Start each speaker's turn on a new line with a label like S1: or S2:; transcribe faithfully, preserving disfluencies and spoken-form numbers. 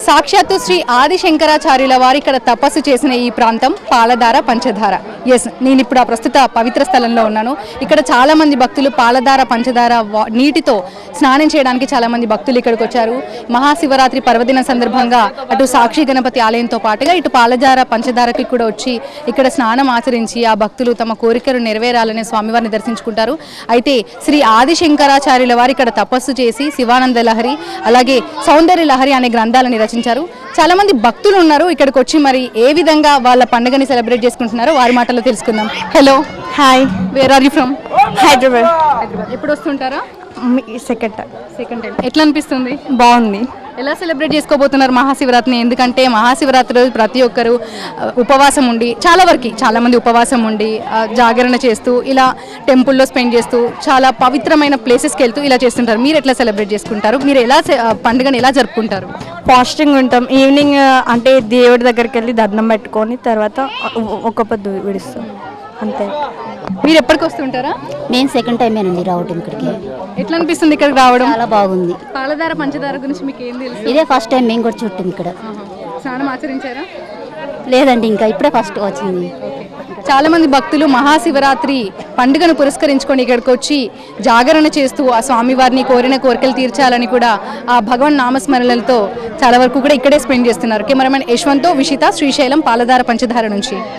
S1: సాక్షాత్తు శ్రీ ఆది శంకరాచార్యుల వారు ఇక్కడ తపస్సు చేసిన ఈ ప్రాంతం పాలధార పంచదార. ఎస్, నేను ఇప్పుడు ఆ ప్రస్తుత పవిత్ర స్థలంలో ఉన్నాను. ఇక్కడ చాలా మంది భక్తులు పాలధార పంచదార నీటితో స్నానం చేయడానికి చాలా మంది భక్తులు ఇక్కడికి వచ్చారు. మహాశివరాత్రి పర్వదిన సందర్భంగా అటు సాక్షి గణపతి ఆలయంతో పాటుగా ఇటు పాలధార పంచదారకి కూడా వచ్చి ఇక్కడ స్నానం ఆచరించి ఆ భక్తులు తమ కోరికలు నెరవేరాలని స్వామివారిని దర్శించుకుంటారు. అయితే శ్రీ ఆది శంకరాచార్యుల వారు ఇక్కడ తపస్సు చేసి శివానంద లహరి అలాగే సౌందర్య లహరి అనే గ్రంథాలని రచించారు. చాలా మంది భక్తులు ఉన్నారు ఇక్కడికి వచ్చి, మరి ఏ విధంగా వాళ్ళ పండుగని సెలబ్రేట్ చేసుకుంటున్నారో వారి మాటల్లో తెలుసుకుందాం. Hello,
S2: hi,
S1: where are you from?
S2: Hyderabad.
S1: ఎప్పుడు వస్తుంటారా?
S2: Second time.
S1: Second time. ఎట్లా అనిపిస్తుంది?
S2: బాగుంది.
S1: ఎలా సెలబ్రేట్ చేసుకోబోతున్నారు మహాశివరాత్రిని? ఎందుకంటే మహాశివరాత్రి రోజు ప్రతి ఒక్కరు ఉపవాసం ఉండి, చాలా వరకు చాలా మంది ఉపవాసం ఉండి జాగరణ చేస్తూ ఇలా టెంపుల్లో స్పెండ్ చేస్తూ చాలా పవిత్రమైన ప్లేసెస్కి వెళ్తూ ఇలా చేస్తుంటారు. మీరు ఎట్లా సెలబ్రేట్ చేసుకుంటారు? మీరు ఎలా పండుగను ఎలా జరుపుకుంటారు?
S2: ఫాస్టింగ్ ఉంటాం. ఈవినింగ్ అంటే దేవుడి దగ్గరికి వెళ్ళి దండం పెట్టుకొని తర్వాత ఒక పొద్దు విడుస్తాం, అంతే.
S1: మీరు ఎప్పటికి వస్తుంటారా?
S3: నేను సెకండ్ టైమేనండి రావటం ఇక్కడికి.
S1: ఎట్లా అనిపిస్తుంది ఇక్కడికి రావడం?
S3: చాలా బాగుంది.
S1: పాలధార పంచదార గురించి మీకు ఏం తెలుసు?
S3: ఇదే ఫస్ట్ టైం మేము కూడా చుట్టాం ఇక్కడ.
S1: స్నానం ఆచరించారా?
S3: లేదండి, ఇంకా ఇప్పుడే ఫస్ట్ వచ్చింది.
S1: చాలా మంది భక్తులు మహాశివరాత్రి పండుగను పురస్కరించుకొని ఇక్కడికి వచ్చి జాగరణ చేస్తూ ఆ స్వామివారిని కోరిన కోరికలు తీర్చాలని కూడా ఆ భగవన్ నామస్మరణలతో చాలా వరకు కూడా ఇక్కడే స్పెండ్ చేస్తున్నారు. కెమెరామెన్ యశ్వంత్తో విషిత, శ్రీశైలం, పాలధార పంచదార నుంచి.